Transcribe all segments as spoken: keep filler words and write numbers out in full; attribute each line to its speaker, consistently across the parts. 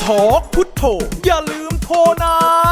Speaker 1: ทอกพุทโธอย่าลืมโทรนะ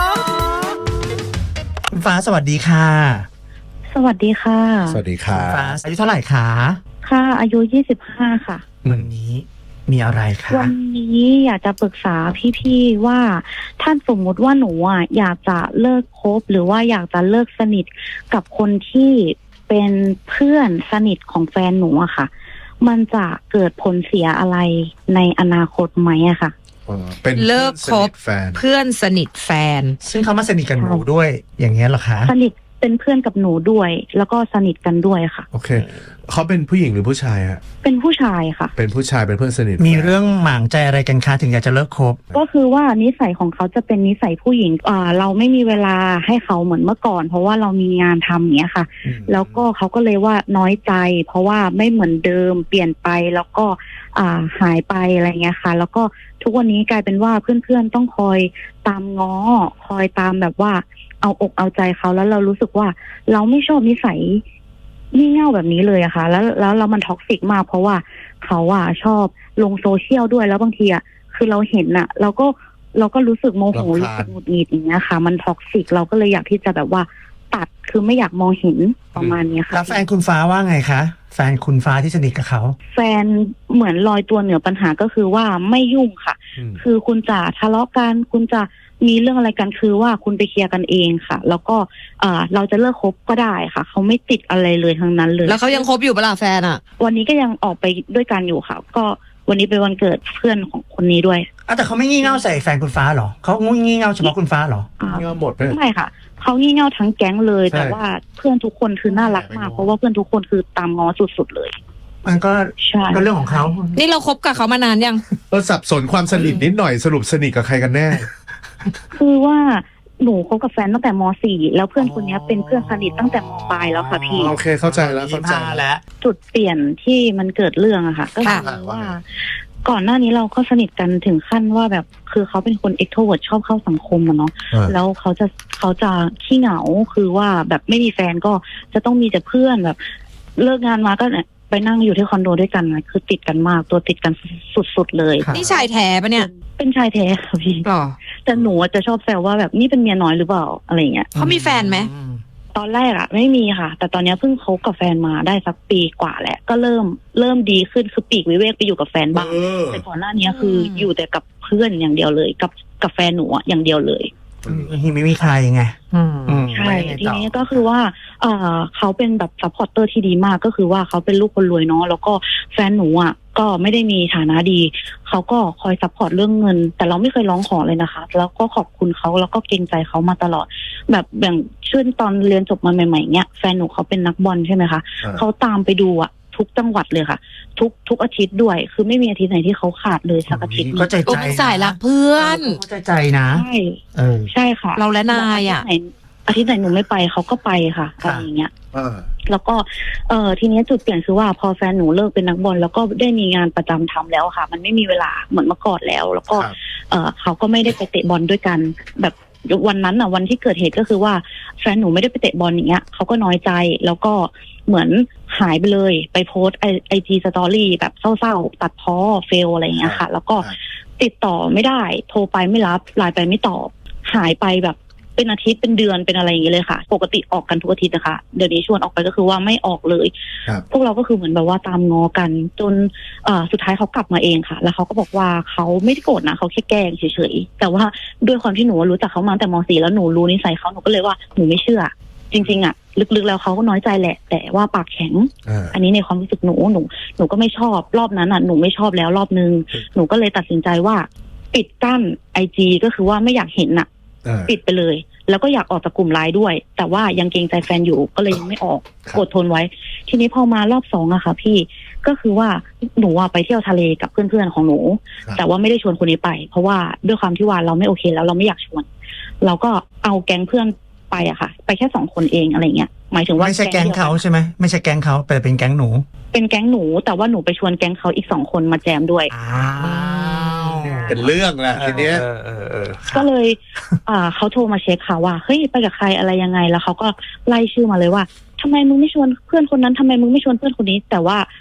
Speaker 2: คุณฟ้าสวัสดีค่ะ
Speaker 3: สวัสดีค่ะ
Speaker 4: สวัสดีค่ะ
Speaker 2: ฟ้าอายุเท่าไหร่คะ
Speaker 3: ค่ะอายุยี่สิบห้าค่ะ
Speaker 2: วันนี้มีอะไรคะ
Speaker 3: วันนี้อยากจะปรึกษาพี่ๆว่าท่านสมมุติว่าหนูอ่ะอยากจะเลิกคบหรือว่าอยากจะเลิกสนิทกับคนที่เป็นเพื่อนสนิทของแฟนหนูอะค่ะมันจะเกิดผลเสียอะไรในอนาคตไหมอะค่ะ
Speaker 4: เป็น
Speaker 5: เลิกคบเพื่อนสนิทแฟน
Speaker 2: ซึ่งเขามาสนิทกันหนูด้วยอย่างเงี้ยเหรอคะ
Speaker 3: สนิทเป็นเพื่อนกับหนูด้วยแล้วก็สนิทกันด้วยค่ะ
Speaker 4: โอเคเขาเป็นผู้หญิงหรือผู้ชายฮะ
Speaker 3: เป็นผู้ชายค่ะ
Speaker 4: เป็นผู้ชายเป็นเพื่อนสนิท
Speaker 2: มีเรื่องหมางใจอะไรกันคะถึงอยากจะเลิกคบ
Speaker 3: ก็คือว่านิสัยของเขาจะเป็นนิสัยผู้หญิงอ่าเราไม่มีเวลาให้เขาเหมือนเมื่อก่อนเพราะว่าเรามีงานทำอย่างเงี้ยค่ะแล้วก็เขาก็เลยว่าน้อยใจเพราะว่าไม่เหมือนเดิมเปลี่ยนไปแล้วก็อ่าหายไปอะไรเงี้ยค่ะแล้วก็ทุกวันนี้กลายเป็นว่าเพื่อนๆต้องคอยตามง้อคอยตามแบบว่าเอาอกเอาใจเขาแล้วเรารู้สึกว่าเราไม่ชอบนิสัยงี่เง่าแบบนี้เลยอะค่ะแล้วแล้วเรามันท็อกซิกมากเพราะว่าเขาอะชอบลงโซเชียลด้วยแล้วบางทีอะคือเราเห็นอะเราก็เราก็รู้สึกโมโหรู้สึกหงุดหงิดอย่างเงี้ยค่ะมันท็อกซิกเราก็เลยอยากที่จะแบบว่าตัดคือไม่อยากมองเห็นประมาณนี้ค่ะ
Speaker 2: แล้วแฟนคุณฟ้าว่าไงคะแฟนคุณฟ้าที่สนิทกับเขา
Speaker 3: แฟนเหมือนลอยตัวเหนือปัญหาก็คือว่าไม่ยุ่งค่ะคือคุณจะทะเลาะกันคุณจะมีเรื่องอะไรกันคือว่าคุณไปเคลียร์กันเองค่ะแล้วก็เอ่อเราจะเลิกคบก็ได้ค่ะเขาไม่ติดอะไรเลยทั้งนั้นเลย
Speaker 5: แล้วเขายังคบอยู่เปล่าแฟนอ่ะ
Speaker 3: วันนี้ก็ยังออกไปด้วยกันอยู่ค่ะก็วันนี้เป็นวันเกิดเพื่อนของคนนี้ด้วย
Speaker 2: อ่ะแต่เขาไม่งี่เง่าใส่แฟนคุณฟ้าหรอเขางี่เง่าเฉพาะคุณฟ้าหรอ
Speaker 4: งี่เง่าหมดเลย
Speaker 3: ไม่ค่ะเขางี่เง่าทั้งแก๊งเลยแต่ว่าเพื่อนทุกคนคือน่ารักมากเพราะว่าเพื่อนทุกคนคือตามง้อสุดๆเลย
Speaker 2: มันก็ก็เรื่องของเขา
Speaker 5: นี่เราคบกับเขามานานยัง
Speaker 4: เราสับสนความสนิทนิดหน่อยสรุปสนิทกับใครกันแน่
Speaker 3: คือว่าหนูคบกับแฟนตั้งแต่ม สี่ แล้วเพื่อนคนนี้เป็นเพื่อนสนิทตั้งแต่ม ปลายแล้วค่ะพี่
Speaker 4: โอเคเข้าใจแล้วเข้าใจ
Speaker 2: แล้ว
Speaker 3: จุดเปลี่ยนที่มันเกิดเรื่องอะค่ะก็คือว่าก่อนหน้านี้เราก็สนิทกันถึงขั้นว่าแบบคือเขาเป็นคนเอ็กโทรเวิร์ตชอบเข้าสังคมอะเนาะแล้วเขาจะเขาจะขี้เหงาคือว่าแบบไม่มีแฟนก็จะต้องมีแต่เพื่อนแบบเลิกงานมาก็ไปนั่งอยู่ที่คอนโดด้วยกันนะคือติดกันมากตัวติดกันสุดๆเลย
Speaker 5: นี่ชายแท้ปะเนี่ย
Speaker 3: เป็นชายแท้ค่ะพี่แต่หนูจะชอบแซวว่าแบบนี่เป็นเมียน้อยหรือเปล่าอะไรเงี้ย
Speaker 5: เขามีแฟนไหม
Speaker 3: ตอนแรกอะไม่มีค่ะแต่ตอนนี้เพิ่งคบกับแฟนมาได้สักปีกว่าแล้วก็เริ่มเริ่มดีขึ้นคือปีกวิเวกไปอยู่กับแฟนบ้างแต่ก่อนหน้านี้คืออยู่แต่กับเพื่อนอย่างเดียวเลยกับกับแฟนหนูอย่างเดียวเลย
Speaker 2: ที่ไม่มีใครไง
Speaker 3: ใช่ทีนี้ก็คือว่าเออเขาเป็นแบบซัพพอร์ตเตอร์ที่ดีมากก็คือว่าเขาเป็นลูกคนรวยเนาะแล้วก็แฟนหนูอ่ะก็ไม่ได้มีฐานะดีเขาก็คอยซัพพอร์ตเรื่องเงินแต่เราไม่เคยร้องขอเลยนะคะแล้วก็ขอบคุณเขาแล้วก็เกรงใจเขามาตลอดแบบอย่างเช่นตอนเรียนจบมาใหม่ๆเนี้ยแฟนหนูเขาเป็นนักบอลใช่ไหมคะเขาตามไปดูอ่ะทุกจังหวัดเลยค่ะทุกทุกอาทิตย์ด้วยคือไม่มีอาทิตย์ไหนที่เขาขาดเลยสักอาทิตย์
Speaker 2: ก็ใจใจ
Speaker 5: สายรักเพื่อน
Speaker 2: ก็ใจใจนะ
Speaker 3: ใช่ใช่ค่ะ
Speaker 5: เราและนายอ่ะ
Speaker 3: อาทิตย์ไหนหนูไม่ไปเขาก็ไปค่ะอะไรอย่างเงี้ยแล้วก็เอ่อทีนี้จุดเปลี่ยนคือว่าพอแฟนหนูเลิกเป็นนักบอลแล้วก็ได้มีงานประจำทำแล้วค่ะมันไม่มีเวลาเหมือนเมื่อก่อนแล้ว แล้วก็เอ่อเขาก็ไม่ได้ไปเตะบอลด้วยกันแบบวันนั้นอ่ะวันที่เกิดเหตุก็คือว่าแฟนหนูไม่ได้ไปเตะบอลอย่างเงี้ยเขาก็น้อยใจแล้วก็เหมือนหายไปเลยไปโพสไอไอจีสตอรี่แบบเศร้าๆตัดพ้อเฟลอะไรอย่างเงี้ยค่ะแล้วก็ติดต่อไม่ได้โทรไปไม่รับไลน์ไปไม่ตอบหายไปแบบเป็นอาทิตย์เป็นเดือนเป็นอะไรอย่างเงี้ยเลยค่ะปกติออกกันทุกอาทิตย์นะคะเดี๋ยวนี้ชวนออกไปก็คือว่าไม่ออกเลยพวกเราก็คือเหมือนแบบว่าตามงอกันจนเอ่อสุดท้ายเขากลับมาเองค่ะแล้วเขาก็บอกว่าเขาไม่ได้โกรธนะเขาแค่แกล้งเฉยๆแต่ว่าด้วยความที่หนูรู้จักเขามาแต่ม สี่แล้วหนูรู้นิสัยเขาหนูก็เลยว่าหนูไม่เชื่อจริงๆอ่ะลึกๆแล้วเขาก็น้อยใจแหละแต่ว่าปากแข็งอันนี้ในความรู้สึกหนูหนูหนูก็ไม่ชอบรอบนั้นอ่ะหนูไม่ชอบแล้วรอบนึงหนูก็เลยตัดสินใจว่าปิดกั้นไอจีก็คือว่าไม่อยากเห็นอ่ะปิดไปเลยแล้วก็อยากออกจากกลุ่มไลน์ด้วยแต่ว่ายังเกรงใจแฟนอยู่ก็เลยยังไม่ออกอดทนไว้ทีนี้พอมารอบสองอะค่ะพี่ก็คือว่าหนูไปเที่ยวทะเลกับเพื่อนๆของหนูแต่ว่าไม่ได้ชวนคนนี้ไปเพราะว่าด้วยความที่ว่าเราไม่โอเคแล้วเราไม่อยากชวนเราก็เอาแก๊งเพื่อนไปอะค่ะไปแค่สองคนเองอะไรเงี้ยหมายถึงว่า
Speaker 2: ไม่ใช่แก๊งเขาใช่ไหมไม่ใช่แก๊งเขาแต่เป็นแก๊งหนู
Speaker 3: เป็นแก๊งหนูแต่ว่าหนูไปชวนแก๊งเขาอีกสองคนมาแจมด้วย
Speaker 4: เป็นเรื่องแหละทีเนี้ย
Speaker 3: ก็เลยอ่าเขาโทรมาเช็คค่ะว่าเฮ้ยไปกับใครอะไรยังไงแล้วเขาก็ไล่ชื่อมาเลยว่าทำไมมึงไม่ชวนเพื่อนคนนั้นทำไมมึงไม่ชวนเพื่อนคนนี้แต่ว่า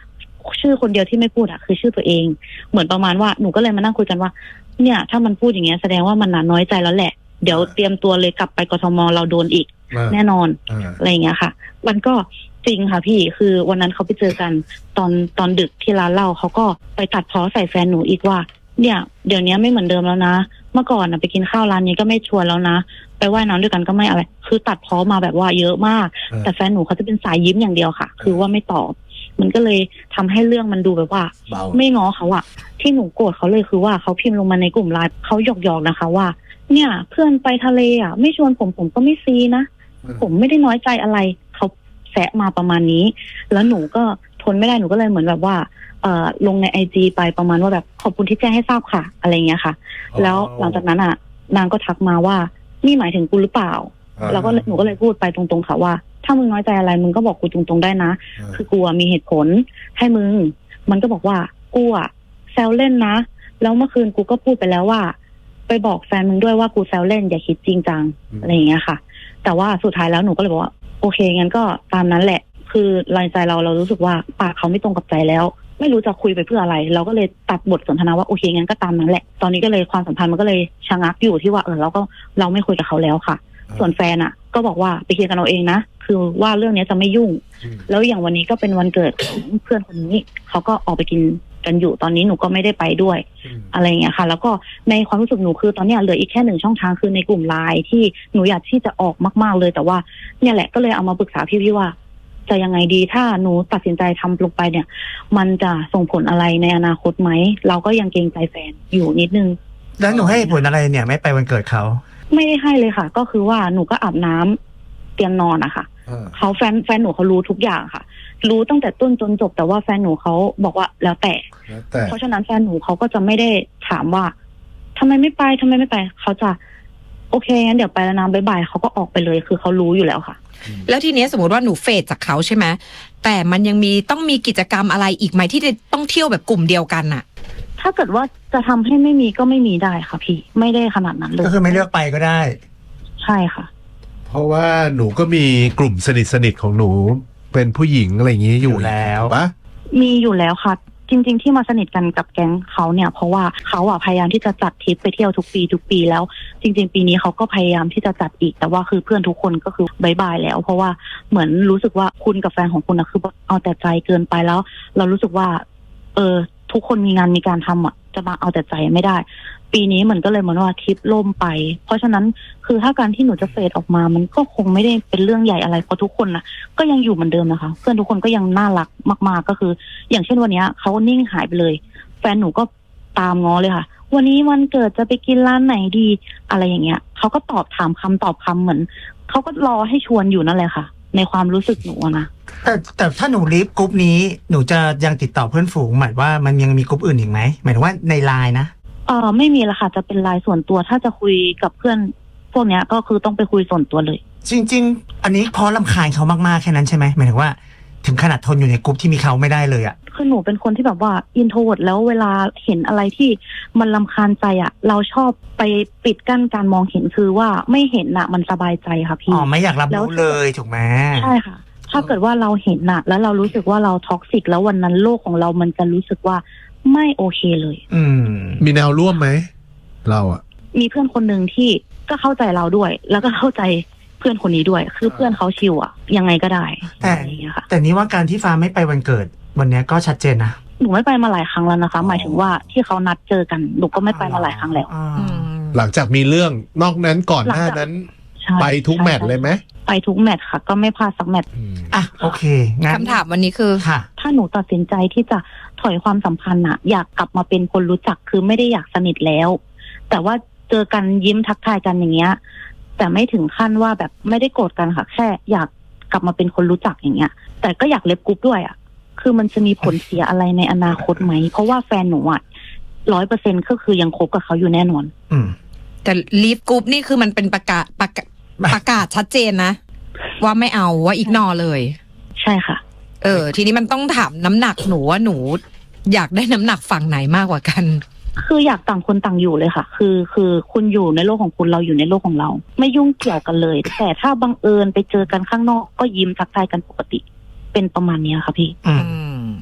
Speaker 3: ชื่อคนเดียวที่ไม่พูดอะคือชื่อตัวเองเหมือนประมาณว่าหนูก็เลยมานั่งคุยกันว่าเนี่ยถ้ามันพูดอย่างเงี้ยแสดงว่ามันน่ะน้อยใจแล้วแหละเดี๋ยวเตรียมตัวเลยกลับไปกทมเราโดนอีกแน่นอนอะไรอย่างเงี้ยค่ะมันก็จริงค่ะพี่คือวันนั้นเขาไปเจอกันตอนตอนดึกที่ร้านเหล้าเขาก็ไปตัดพ้อใส่แฟนหนูอีกว่าเนี่ยเดี๋ยวนี้ไม่เหมือนเดิมแล้วนะเมื่อก่อนนะไปกินข้าวร้านนี้ก็ไม่ชวนแล้วนะไปว่ายน้ำด้วยกันก็ไม่อะไรคือตัดพ้อมาแบบว่าเยอะมากแต่แฟนหนูเขาจะเป็นสายยิ้มอย่างเดียวค่ะคือว่าไม่ตอบมันก็เลยทำให้เรื่องมันดูแบบว่าไม่ง้อเขาอะที่หนูโกรธเขาเลยคือว่าเขาพิมพ์ลงมาในกลุ่มไลน์เขาหยอกๆนะคะว่าเนี่ยเพื่อนไปทะเลอะไม่ชวนผมผมก็ไม่ซีนะผมไม่ได้น้อยใจอะไรเขาแซะมาประมาณนี้แล้วหนูก็ทนไม่ได้หนูก็เลยเหมือนแบบว่าเอ่อลงในไอจีไปประมาณว่าแบบขอบคุณที่แจ้งให้ทราบค่ะอะไรเงี้ยค่ะแล้วหลังจากนั้นอ่ะนางก็ทักมาว่านี่หมายถึงกูหรือเปล่าแล้วก็หนูก็เลยพูดไปตรงๆค่ะว่าถ้ามึงน้อยใจอะไรมึงก็บอกกูตรงๆได้นะคือกูมีเหตุผลให้มึงมันก็บอกว่ากูอ่ะแซวเล่นนะแล้วเมื่อคืนกูก็พูดไปแล้วว่าไปบอกแฟนมึงด้วยว่ากูแซวเล่นอย่าคิดจริงจังอะไรอย่างเงี้ยค่ะแต่ว่าสุดท้ายแล้วหนูก็เลยบอกว่าโอเคงั้นก็ตามนั้นแหละคือรายใจเราเรารู้สึกว่าปากเขาไม่ตรงกับใจแล้วไม่รู้จะคุยไปเพื่ออะไรเราก็เลยตัดบทสนทนาว่าโอเคงั้นก็ตามนั้นแหละตอนนี้ก็เลยความสัมพันธ์มันก็เลยชะงักอยู่ที่ว่าเออเราก็เราไม่คุยกับเขาแล้วค่ะส่วนแฟนอ่ะก็บอกว่าไปเคลียร์กันเราเองนะคือว่าเรื่องนี้จะไม่ยุ่งแล้วอย่างวันนี้ก็เป็นวันเกิดของเพื่อนคนนี้เขาก็ออกไปกินกันอยู่ตอนนี้หนูก็ไม่ได้ไปด้วยอะไรอย่างเงี้ยค่ะแล้วก็ในความรู้สึกหนูคือตอนนี้เหลืออีกแค่หนึ่งช่องทางคือในกลุ่มไลน์ที่หนูอยากที่จะออกมากๆเลยแต่ว่าเนี่ยแหละก็เลยเอามาปรึกษาพี่ๆว่าจะยังไงดีถ้าหนูตัดสินใจทำลงไปเนี่ยมันจะส่งผลอะไรในอนาคตไหมเราก็ยังเกรงใจแฟนอยู่นิดนึง
Speaker 2: แล้วหนูให้ผลอะไรเนี่ยไม่ไปวันเกิดเขา
Speaker 3: ไม่ได้ให้เลยค่ะก็คือว่าหนูก็อาบน้ำเตรียมนอนอะค่ะเขาแฟนแฟนหนูเขารู้ทุกอย่างค่ะรู้ตั้งแต่ต้นจนจบแต่ว่าแฟนหนูเขาบอกว่าแล้วแต่เพราะฉะนั้นแฟนหนูเขาก็จะไม่ได้ถามว่าทำไมไม่ไปทำไมไม่ไปเขาจะโอเคงั้นเดี๋ยวไปแล้วนะบ๊ายบายเขาก็ออกไปเลยคือเขารู้อยู่แล้วค่ะ
Speaker 5: แล้วทีนี้สมมติว่าหนูเฟดจากเขาใช่ไหมแต่มันยังมีต้องมีกิจกรรมอะไรอีกไหมที่จะต้องเที่ยวแบบกลุ่มเดียวกันน่ะ
Speaker 3: ถ้าเกิดว่าจะทำให้ไม่มีก็ไม่มีได้ค่ะพี่ไม่ได้ขนาดนั้นเลย
Speaker 2: ก็คือไม่เลือกไปก็ได้
Speaker 3: ใช่ค่ะ
Speaker 4: เพราะว่าหนูก็มีกลุ่มสนิทสนิทของหนูเป็นผู้หญิงอะไรอย่างนี้อยู่แล้วปะ
Speaker 3: มีอยู่แล้วค่ะจริงๆที่มาสนิทกันกับแก๊งเขาเนี่ยเพราะว่าเขาอ่ะพยายามที่จะจัดทริปไปเที่ยวทุกปีทุกปีแล้วจริงๆปีนี้เขาก็พยายามที่จะจัดอีกแต่ว่าคือเพื่อนทุกคนก็คือบายบายแล้วเพราะว่าเหมือนรู้สึกว่าคุณกับแฟนของคุณนะคือเอาแต่ใจเกินไปแล้วเรารู้สึกว่าเออทุกคนมีงานมีการทำอ่ะจะมาเอาแต่ใจไม่ได้ปีนี้เหมือนก็เลยเหมือนว่าทริปล่มไปเพราะฉะนั้นคือถ้าการที่หนูจะเฟดออกมามันก็คงไม่ได้เป็นเรื่องใหญ่อะไรเพราะทุกคนนะก็ยังอยู่เหมือนเดิมนะคะเพื่อนทุกคนก็ยังน่ารักมากๆก็คืออย่างเช่นวันนี้เขานิ่งหายไปเลยแฟนหนูก็ตามง้อเลยค่ะวันนี้วันเกิดจะไปกินร้านไหนดีอะไรอย่างเงี้ยเขาก็ตอบถามคำตอบคำเหมือนเขาก็รอให้ชวนอยู่นั่นแหละค่ะในความรู้สึกหนูนะ
Speaker 2: แต่แต่ถ้าหนูลีฟกรุ๊ปนี้หนูจะยังติดต่อเพื่อนฝูงหมายว่ามันยังมีกรุ๊ปอื่นอีกไหมหมายถึงว่าในไลน์นะ
Speaker 3: เออไม่มีละค่ะจะเป็นไลน์ส่วนตัวถ้าจะคุยกับเพื่อนพวกเนี้ยก็คือต้องไปคุยส่วนตัวเลย
Speaker 2: จริงๆอันนี้เพราะรำคาญเขามากๆแค่นั้นใช่ไหมหมายถึงว่าถึงขนาดทนอยู่ในกรุ๊ปที่มีเขาไม่ได้เลยอ่ะ
Speaker 3: คือหนูเป็นคนที่แบบว่าอินโทรเวิร์ตแล้วเวลาเห็นอะไรที่มันรำคาญใจอ่ะเราชอบไปปิดกั้นการมองเห็นคือว่าไม่เห็นอ่ะมันสบายใจค่ะพี่
Speaker 2: อ๋อไม่อยากรับรู้เลยถูกไหม
Speaker 3: ใช่ค่ะถ้าเกิดว่าเราเห็นน่ะแล้วเรารู้สึกว่าเราท็อกซิกแล้ววันนั้นโลกของเรามันจะรู้สึกว่าไม่โอเคเลย
Speaker 2: อืม
Speaker 4: มีแนวร่วมไหมเราอ่ะ
Speaker 3: มีเพื่อนคนหนึ่งที่ก็เข้าใจเราด้วยแล้วก็เข้าใจเพื่อนคนนี้ด้วยคือเพื่อนเขาชิวอ่ะยังไงก็ได้
Speaker 2: แต่แต่นี้ว่าการที่ฟ้าไม่ไปวันเกิดวันนี้ก็ชัดเจนนะ
Speaker 3: หนูไม่ไปมาหลายครั้งแล้วนะคะหมายถึงว่าที่เขานัดเจอกันหนูก็ไม่ไปมาหลายครั้งแล้ว
Speaker 4: หลังจากมีเรื่องนอกนั้นก่อนหน้านั้นไปทุกแมตช์เลยไหม
Speaker 3: ไปทุกแมตช์ค่ะก็ไม่พลาดสักแมตช์
Speaker 2: อ่ะโอเคงั้น
Speaker 5: คำถามวันนี้คือ
Speaker 2: ค่ะ
Speaker 3: ถ้าหนูตัดสินใจที่จะถอยความสัมพันธ์อะอยากกลับมาเป็นคนรู้จักคือไม่ได้อยากสนิทแล้วแต่ว่าเจอกันยิ้มทักทายกันอย่างเงี้ยแต่ไม่ถึงขั้นว่าแบบไม่ได้โกรธกันค่ะแค่อยากกลับมาเป็นคนรู้จักอย่างเงี้ยแต่ก็อยากเล็บกรุ๊ปด้วยอะคือมันจะมีผลเสียอะไรในอนาคตไหมเพราะว่าแฟนหนูอะร้อยเปอร์เซ็นต์ก็คือยังคบกับเขาอยู่แน่นอน
Speaker 2: อืม
Speaker 5: แต่ลีฟกรุ๊ปนี่คือมันเป็นประกาศประกาศประกาศชัดเจนนะว่าไม่เอาว่าอีกนอเลย
Speaker 3: ใช่ค่ะ
Speaker 5: เออทีนี้มันต้องถามน้ำหนักหนูว่าหนูอยากได้น้ำหนักฝั่งไหนมากกว่ากัน
Speaker 3: คืออยากต่างคนต่างอยู่เลยค่ะคือคือคุณอยู่ในโลกของคุณเราอยู่ในโลกของเราไม่ยุ่งเกี่ยวกันเลยแต่ถ้าบังเอิญไปเจอกันข้างนอกก็ยิ้มทักทายกันปกติเป็นประมาณนี้ค่ะพี่
Speaker 5: อืม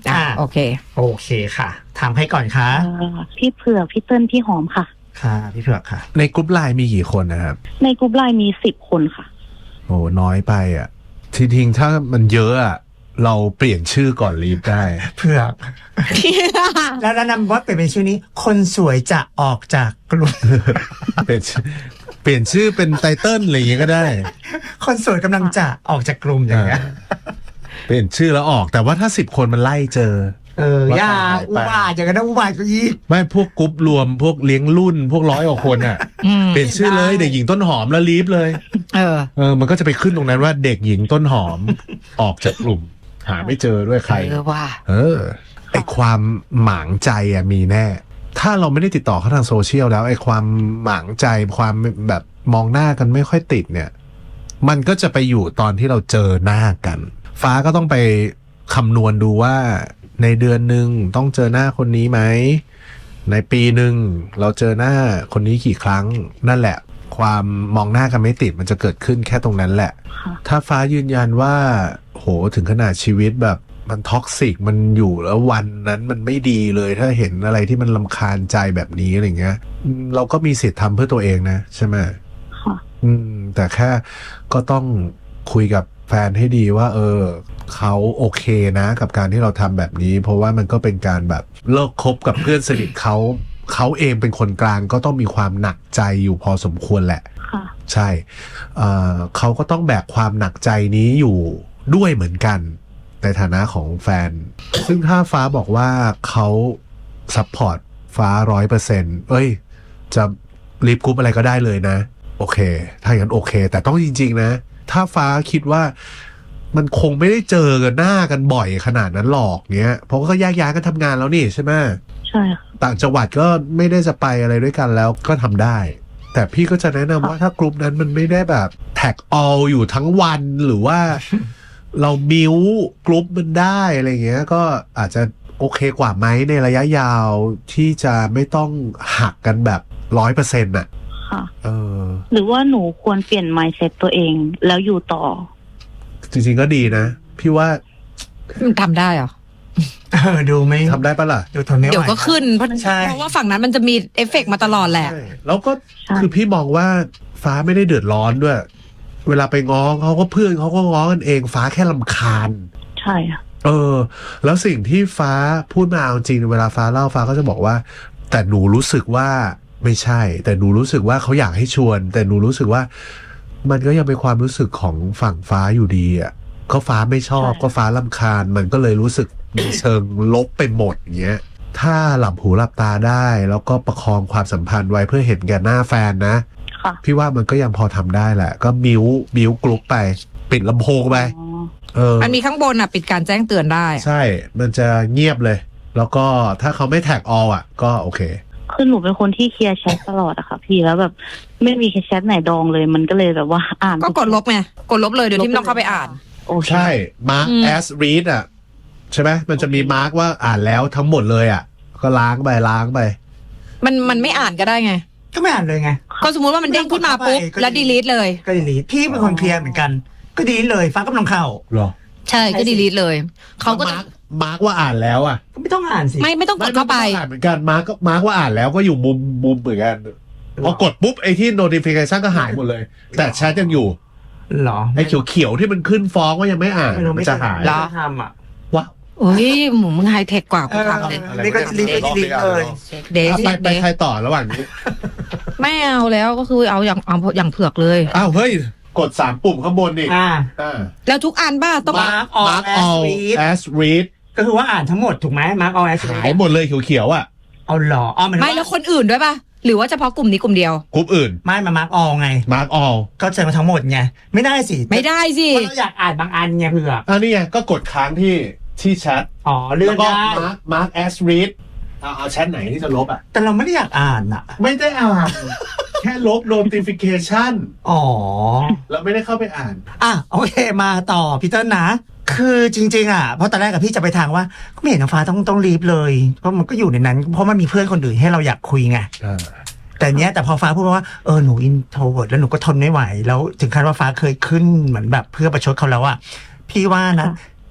Speaker 5: อ่า
Speaker 2: อ่า
Speaker 5: โอเค
Speaker 2: โอเคค่ะถามใครก่อนคะ
Speaker 3: เอ่อพี่เผือกพี่เติ้ลพี่หอมค่ะ
Speaker 2: ค่ะพี่เผือกค่ะ
Speaker 4: ในกลุ่มไลน์มีกี่คนนะครับ
Speaker 3: ในกลุ่มไลน์มีสิบคนค่ะ
Speaker 4: โอ้น้อยไปอ่ะทีทิ้งถ้ามันเยอะอ่ะเราเปลี่ยนชื่อก่อนลีฟได้
Speaker 2: เผือก แล้วแนะนำว่าเปลี่ยนเป็นชื่อนี้ คนสวยจะออกจากกลุ่ม
Speaker 4: เปลี่ยนชื่อเปลี่ยนชื่อเป็นไตเติ้ลอะไรอย่างเงี้ยก็ได้
Speaker 2: คนสวยกำลังจะออกจากกลุ่มอย่างเงี้ย
Speaker 4: เปลี่ยนชื่อแล้วออกแต่ว่าถ้าสิบคนมันไล่เจอ
Speaker 2: เออ
Speaker 4: ว่า
Speaker 2: อย่า
Speaker 4: หายไป
Speaker 2: อุบาทอย่างนั้นนะอุบาทก็ยีก
Speaker 4: ไม่พวกกรุ๊ปรวมพวกเลี้ยงรุ่น พวกร้อยกว่าคนอ่ะ
Speaker 5: อืม
Speaker 4: เปลี่ยนชื่อเลยเด็กหญิงต้นหอมแล้วลีฟเลย
Speaker 5: เออ
Speaker 4: เออมันก็จะไปขึ้นตรงนั้นว่าเด็กหญิงต้นหอม ออกจากกลุ่ม หาไม่เจอด้วยใคร
Speaker 5: เออว่า
Speaker 4: เออไอความหมางใจอ่ะมีแน่ ถ้าเราไม่ได้ติดต่อเขาทางโซเชียลแล้วไอความหมางใจความแบบมองหน้ากันไม่ค่อยติดเนี่ย มันก็จะไปอยู่ตอนที่เราเจอหน้ากัน ฟ้าก็ต้องไปคำนวณดูว่าในเดือนหนึ่งต้องเจอหน้าคนนี้ไหมในปีหนึ่งเราเจอหน้าคนนี้กี่ครั้งนั่นแหละ ความมองหน้ากันไม่ติดมันจะเกิดขึ้นแค่ตรงนั้นแหละ
Speaker 3: ค่ะ
Speaker 4: ถ้าฟ้ายืนยันว่าโหถึงขนาดชีวิตแบบมันท็อกซิกมันอยู่แล้ววันนั้นมันไม่ดีเลยถ้าเห็นอะไรที่มันรำคาญใจแบบนี้อะไรเงี้ยอืมเราก็มีสิทธิ์ทำเพื่อตัวเองนะใช่ไหม
Speaker 3: ค่ะ
Speaker 4: อืมแต่แค่ก็ต้องคุยกับแฟนให้ดีว่า เออเขาโอเคนะกับการที่เราทำแบบนี้ เพราะว่ามันก็เป็นการแบบเลิกคบกับเพื่อนสนิทเขาเขาเองเป็นคนกลางก็ต้องมีความหนักใจอยู่พอสมควรแหละ
Speaker 3: ค่ะ
Speaker 4: ใช่เอ่อเขาก็ต้องแบกความหนักใจนี้อยู่ด้วยเหมือนกันในฐานะของแฟน ซึ่งถ้าฟ้าบอกว่าเขาซัพพอร์ตฟ้าร้อยเปอร์เซ็นต์เอ้ยจะรีบกรุ๊ปอะไรก็ได้เลยนะโอเคถ้าอย่างนั้นโอเค แต่ต้องจริงๆนะถ้าฟ้าคิดว่ามันคงไม่ได้เจอกันหน้ากันบ่อยขนาดนั้นหรอกเงี้ยเพราะว่าก็แยกย้ายกันทำงานแล้วนี่ใช่ไหม
Speaker 3: ใช่ค่ะ
Speaker 4: ต่างจังหวัดก็ไม่ได้จะไปอะไรด้วยกันแล้วก็ทำได้ แต่พี่ก็จะแนะนำว่าถ้ากลุ่มนั้นมันไม่ได้แบบแท็กออลอยู่ทั้งวันหรือว่า เรามิวกลุ่มมันได้อะไรเงี้ยก็อาจจะโอเคกว่าไหมในระยะยาวที่จะไม่ต้องหักกันแบบร้อยเปอร์เซ็นต์อ่ะ
Speaker 3: ค่ะ
Speaker 4: เออ
Speaker 3: หรือว่าหนูควรเปลี่ยน mindset ตัวเองแล้วอยู่ต่อ
Speaker 4: จริงๆก็ดีนะ พี่ว่า
Speaker 5: มันทำได้เหรอ
Speaker 2: เออดูไม่
Speaker 4: ทำได้ปะล่ะ
Speaker 2: ดูทนไม่ไหว
Speaker 5: เดี๋ยวก็ขึ้น เพราะ
Speaker 2: ใช่
Speaker 5: เพราะว่าฝั่งนั้นมันจะมีเอฟเฟกต์มาตลอดแหละ
Speaker 4: ใช่แล้วก็
Speaker 3: ใช่
Speaker 4: คือพี่มองว่าฟ้าไม่ได้เดือดร้อนด้วย เวลาไปง้อเขาก็เพื่อนเขาก็ง้อกันเองฟ้าแค่รำคาญ
Speaker 3: ใช่ค่ะ
Speaker 4: เออ แล้วสิ่งที่ฟ้าพูดมาเอาจริงเวลาฟ้าเล่าฟ้าก็จะบอกว่า แต่หนูรู้สึกว่าไม่ใช่ แต่หนูรู้สึกว่าเขาอยากให้ชวน แต่หนูรู้สึกว่า มันก็ยังเป็นความรู้สึกของฝั่งฟ้าอยู่ดีอ่ะก็ฟ้าไม่ชอบ
Speaker 3: ใช่
Speaker 4: ก็ฟ้ารำคาญ มันก็เลยรู้สึกมีเชิงลบไปหมดอย่างเงี้ย ถ้าหลับหูหลับตาได้ แล้วก็ประคองความสัมพันธ์ไว้เพื่อเห็นแก่หน้าแฟนนะ
Speaker 3: ค่ะ
Speaker 4: พี่ว่ามันก็ยังพอทำได้แหละ ก็มิวมิวกรุ๊ปไป ปิดลำโพงไป
Speaker 3: อ๋อ
Speaker 4: เออ
Speaker 5: มันมีข้างบนอ่ะ ปิดการแจ้งเตือนได้
Speaker 4: ใช่ มันจะเงียบเลย แล้วก็ถ้าเขาไม่แท็กออลอ่ะ ก็โอเค
Speaker 3: คือหนูเป็นคนที่เคลียร์แชทตลอดอะค่ะพี่แล้วแบบไม่มีแชทไหนดองเลยมันก็เลยแบบว่าอ่าน
Speaker 5: ก็กดลบไง กดลบเลยโดยที่ไม่ต้องเข้าไปอ่าน
Speaker 3: โอเค
Speaker 4: ใช่ มาร์ก
Speaker 5: อืม
Speaker 4: แอสรีดอ่ะ ใช่ไหมมันจะมีมาร์กว่าอ่านแล้วทั้งหมดเลยอ่ะ ก็ล้างไปล้างไป
Speaker 5: มันมันไม่อ่านก็ได้ไง
Speaker 2: ก็ไม่อ่านเลยไง
Speaker 5: ก็สมมุติว่ามันเด้งขึ้นมาปุ๊บ
Speaker 2: ก็
Speaker 5: แล้วดีลีทเลย
Speaker 2: ก็ดีลีทพี่เป็นคนเคลียร์เหมือนกัน ก็ดีลีทเลยฟ้ากำลังเข้า
Speaker 4: หรอ
Speaker 5: ใช่ ก็ดีลีทเลย เขาก็จะ
Speaker 4: มาร์กมาร์กว่าอ่านแล้วอ่ะ
Speaker 2: ก็ไม่ต้องอ่านสิ
Speaker 5: ไม่ไม่ต้องกดเข้าไป
Speaker 4: ม่ม่ต้องอ่านเหมือนกัน มาร์กก็มาร์กว่าอ่านแล้วก็อยู่มุมมุมเหมือนกัน พอกดปุ๊บไอ้ที่ notification ก็หายหมดเลย แต่แชทยังอยู่
Speaker 2: หรอ
Speaker 4: ไอ้เขียวๆที่มันขึ้นฟ้องว่ายังไม่อ่าน
Speaker 2: ไม่รู้
Speaker 4: มั
Speaker 2: ไม่
Speaker 4: นจะหาย
Speaker 2: ไม่ได้ทำอ่ะ
Speaker 4: ว้าว
Speaker 5: เฮ้ยหมูมึงไฮเทคกว่ากูทำเลย
Speaker 2: เออนี่ก็ดีลีทดีลีทเลย
Speaker 5: เด
Speaker 4: อ่ะ
Speaker 5: ซิ
Speaker 4: ไปไป
Speaker 5: เด
Speaker 4: ใครต่อระหว่างนี้
Speaker 5: ไม่เอาแล้วก็คือเอาอย่างเอาอย่างเผือกเลย
Speaker 4: อ้าวเฮ้ย กดสามปุ่มข้างบนนี่
Speaker 2: อ่า
Speaker 4: อ่า
Speaker 5: แล้วทุกอันบ้าต้อง
Speaker 2: Mark all
Speaker 4: Mark
Speaker 2: as
Speaker 4: all
Speaker 2: read
Speaker 4: as read
Speaker 2: ก็คือว่าอ่านทั้งหมดถูกไหมมาร์กเอาแอส
Speaker 4: หายหมดเลยเขียวๆอ่ะ
Speaker 2: เอาหรออ๋อมัน
Speaker 5: ไม่แล้วคนอื่นด้วยป่ะ หรือว่าเฉพาะกลุ่มนี้กลุ่มเดียว
Speaker 4: กลุ่มอื่น
Speaker 2: ไม่มามาร์กออไง
Speaker 4: mark all
Speaker 2: ก็เจอมาทั้งหมดไงไม่ได้สิ
Speaker 5: ไม่ได้สิ
Speaker 2: เพราะเราอยากอ่านบางอันไงเผื่อ
Speaker 4: อันนี้ไงก็กดค้างที่ที่แชท
Speaker 2: อ๋อเลื่อ
Speaker 4: แล้
Speaker 2: น
Speaker 4: วก็
Speaker 2: ได้
Speaker 4: mark mark as read เอาเอาแชทไหนที่จะลบอ่ะ
Speaker 2: แต่เราไม่ได้อยากอ่านอ่ะ
Speaker 4: ไม่ได้อ่าน แค่ลบ notification
Speaker 2: อ๋อ
Speaker 4: แล้วไม่ได้เข้าไปอ่าน
Speaker 2: อ่ะโอเคมาต่อพี่เติ้ลนะ คือจริงๆอ่ะเพราะตอนแรกกับพี่จะไปทางว่าก็ไม่เห็นน้องฟ้าต้องต้องรีบเลยเพราะมันก็อยู่ในนั้น เพราะมันมีเพื่อนคนอื่นให้เราอยากคุยไงแต่เนี้ยแต่พอฟ้าพูดว่าเออหนูอินโทรเวิร์ดแล้วหนูก็ทนไม่ไหวแล้วถึงขั้นว่าฟ้าเคยขึ้นเหมือนแบบเพื่อประชดเขาแล้วอ่ะพี่ว่านะ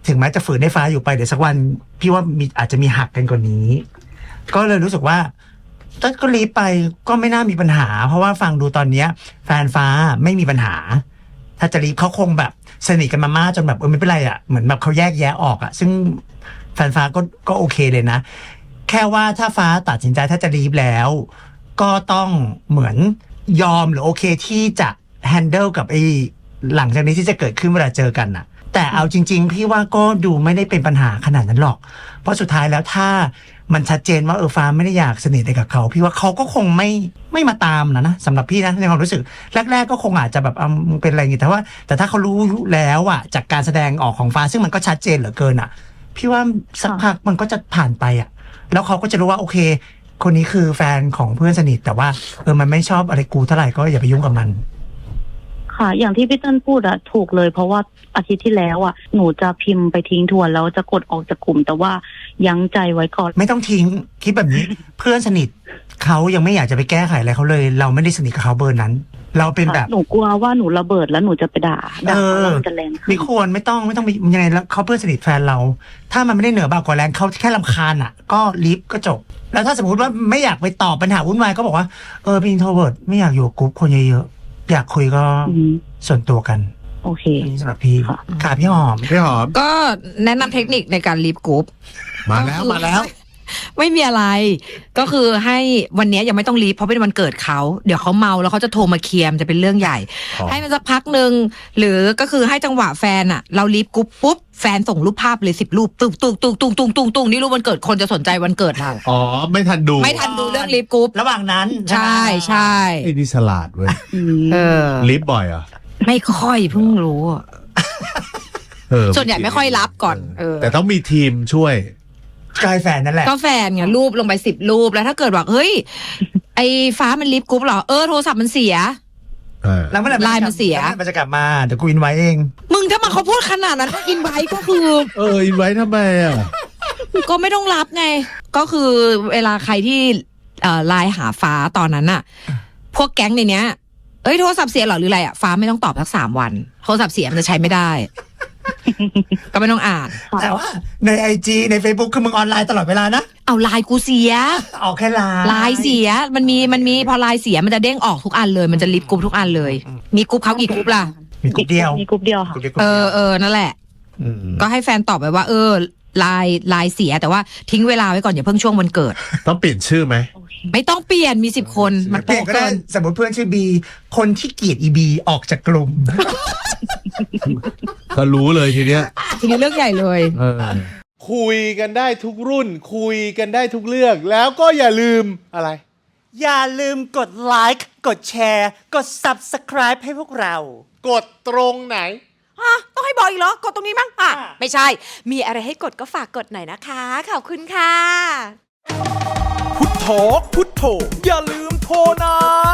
Speaker 2: ถึงแม้จะฝืนให้ฟ้าอยู่ไปเดี๋ยวสักวันพี่ว่ามีอาจจะมีหักกันกว่านี้ ก็เลยรู้สึกว่าถ้าก็รีบไปก็ไม่น่ามีปัญหา เพราะว่าฟังดูตอนเนี้ยแฟนฟ้าไม่มีปัญหา ถ้าจะรีบเขาคงแบบสนิทกันมามากจนแบบเออไม่เป็นไรอ่ะเหมือนแบบเขาแยกแยะออกอ่ะซึ่งแฟนฟ้าก็ก็โอเคเลยนะแค่ว่าถ้าฟ้าตัดสินใจถ้าจะรีบแล้วก็ต้องเหมือนยอมหรือโอเคที่จะแฮนเดิลกับไอ้หลังจากนี้ที่จะเกิดขึ้นเวลาเจอกันน่ะแต่เอาจริงๆพี่ว่าก็ดูไม่ได้เป็นปัญหาขนาดนั้นหรอกเพราะสุดท้ายแล้วถ้ามันชัดเจนว่าเออฟ้าไม่ได้อยากสนิทกับเขาพี่ว่าเขาก็คงไม่ไม่มาตามนะนะสำหรับพี่นะในความรู้สึกแรกๆก็คงอาจจะแบบอ่ะมึงเป็นอะไรอย่างงี้แต่ว่าแต่ถ้าเขารู้แล้วอ่ะจากการแสดงออกของฟ้าซึ่งมันก็ชัดเจนเหลือเกินอ่ะพี่ว่าสักพักมันก็จะผ่านไปอ่ะแล้วเขาก็จะรู้ว่าโอเคคนนี้คือแฟนของเพื่อนสนิทแต่ว่าเออมันไม่ชอบอะไรกูเท่าไหร่ก็อย่าไปยุ่งกับมัน
Speaker 3: ค่ะอย่างที่พี่เติ้ลพูดอะถูกเลยเพราะว่าอาทิตย์ที่แล้วอะหนูจะพิมพ์ไปทิ้งทวนแล้วจะกดออกจากกลุ่มแต่ว่ายั้งใจไว้ก่อน
Speaker 2: ไม่ต้องทิ้งคิดแบบนี้ เพื่อนสนิทเขายังไม่อยากจะไปแก้ไขอะไรเขาเลยเราไม่ได้สนิทกับเขาเบอร์นั้น เราเป็นแบบ
Speaker 3: หนูกลัวว่าหนูระเบิดแล้วหนูจะไปด่าด่าแล้วมันจะแรง
Speaker 2: ไม่ควรไม่ต้องไม่ต้องยังไงแล้วเขาเพื่อนสนิทแฟนเราถ้ามันไม่ได้เหนือบ่ากว่าแรงเขาแค่รำคาญอะก็ลิฟก็จบแล้วถ้าสมมติว่าไม่อยากไปตอบปัญหาวุ่นวายก็บอกว่าเออเป็นอินโทรเวิร์ตไม่อยากอยู่กลุ่มคนเยอะๆอยากคุยก็ส่วนตัวกัน
Speaker 3: โอเค
Speaker 2: นี่สำหรับพี่ค่ะพี่หอม
Speaker 4: พี่หอม
Speaker 5: ก็แนะนำเทคนิคในการลีฟกรุ๊ป
Speaker 4: มาแล้วมาแล้ว
Speaker 5: ไม่มีอะไรก็คือให้วันนี้ยังไม่ต้องลีฟเพราะเป็นวันเกิดเขาเดี๋ยวเขาเมาแล้วเขาจะโทรมาเคลียร์จะเป็นเรื่องใหญ่ให้มันสักพักหนึ่งหรือก็คือให้จังหวะแฟนอะเราลีฟกรุ๊ปปุ๊บแฟนส่งรูปภาพเลยสิบรูปตุ้งตุ้งตุ้งตุ้งตุ้งตุ้งตุ้งนี่รูปวันเกิดคนจะสนใจวันเกิดเรา
Speaker 4: อ๋อไม่ทันดู
Speaker 5: ไม่ทันดูเรื่องลีฟกรุ๊ประ
Speaker 2: หว่างนั้น
Speaker 5: ใช่ใช่
Speaker 4: ไอ้นี่ฉลาดเว้ย
Speaker 5: เออ
Speaker 4: ลีฟบ่อยอ่ะ
Speaker 5: ไม่ค่อยเพิ่งรู้ส่วนใหญ่ไม่ค่อยรับก่อนเออ
Speaker 4: แต่ต้องมีทีมช่วย
Speaker 2: กายแฟนนั่นแหละ
Speaker 5: ก็แฟนไงรูปลงไปสิบรูปแล้วถ้าเกิดว่าเฮ้ยไอ้ฟ้ามันลิฟต์กรุ๊ปเหรอเออโทรศัพท์มันเสีย
Speaker 2: แล้วเมื่อไหร่
Speaker 5: ไลน์มันเสีย
Speaker 2: มันจะกลับมาเดี๋ยวกูอินไว้เอง
Speaker 5: มึงถ้ามาเขาพูดขนาดนั้นอินไว้ก็คือ
Speaker 4: เอออินไว้ทำไมอ่ะ
Speaker 5: ก็ไม่ต้องรับไงก็คือเวลาใครที่ไลน์หาฟ้าตอนนั้นอะพวกแก๊งในเนี้ยเอ้ยโทรศัพท์เสียหรอหรืออะไรอะฟ้าไม่ต้องตอบสักสามวันโทรศัพท์เสียมันจะใช้ไม่ได้ก็ไม่ต้องอ่าน
Speaker 2: แต่ว่าในไอจีใน Facebook คือมึงออนไลน์ตลอดเวลานะ
Speaker 5: เอาไลน์กูเสีย
Speaker 2: เอาแค่ไลน์
Speaker 5: ไลน์เสียมันมีมันมีพอไลน์เสียมันจะเด้งออกทุกอันเลยมันจะลิฟต์กรุ๊ปทุกอันเลยมีกรุ๊ปเขากี่กรุ๊ปล่ะ
Speaker 2: มีกรุ๊ปเดียว
Speaker 3: มีกรุ๊ปเดียวค่ะ
Speaker 5: เออเออนั่นแหละก็ให้แฟนตอบไปว่าเออไลน์ไลน์เสียแต่ว่าทิ้งเวลาไว้ก่อนอย่าเพิ่งช่วงวันเกิด
Speaker 4: ต้องเปลี่ยนชื่อไหม
Speaker 5: ไม่ต้องเปลี่ยนมีสิบคนมัน
Speaker 2: เปลี่ยนก็ได้สมมติเพื่อนชื่อบีคนที่เกลียดอีบีออกจากกลุ่ม
Speaker 4: ก็รู้เลยทีเนี้ย
Speaker 5: ทีนี้เรื่องใหญ่เลย
Speaker 1: คุยกันได้ทุกรุ่นคุยกันได้ทุกเรื่องแล้วก็อย่าลืมอะไร
Speaker 2: อย่าลืมกดไลค์กดแชร์กด ซับสไครบ์ ให้พวกเรา
Speaker 1: กดตรงไหน
Speaker 5: ฮะต้องให้บอกอีกเหรอกดตรงนี้มั้งอ่ะไม่ใช่มีอะไรให้กดก็ฝากกดหน่อยนะคะขอบคุณค่ะ
Speaker 1: พุทโธพุทโธอย่าลืมโทรนะ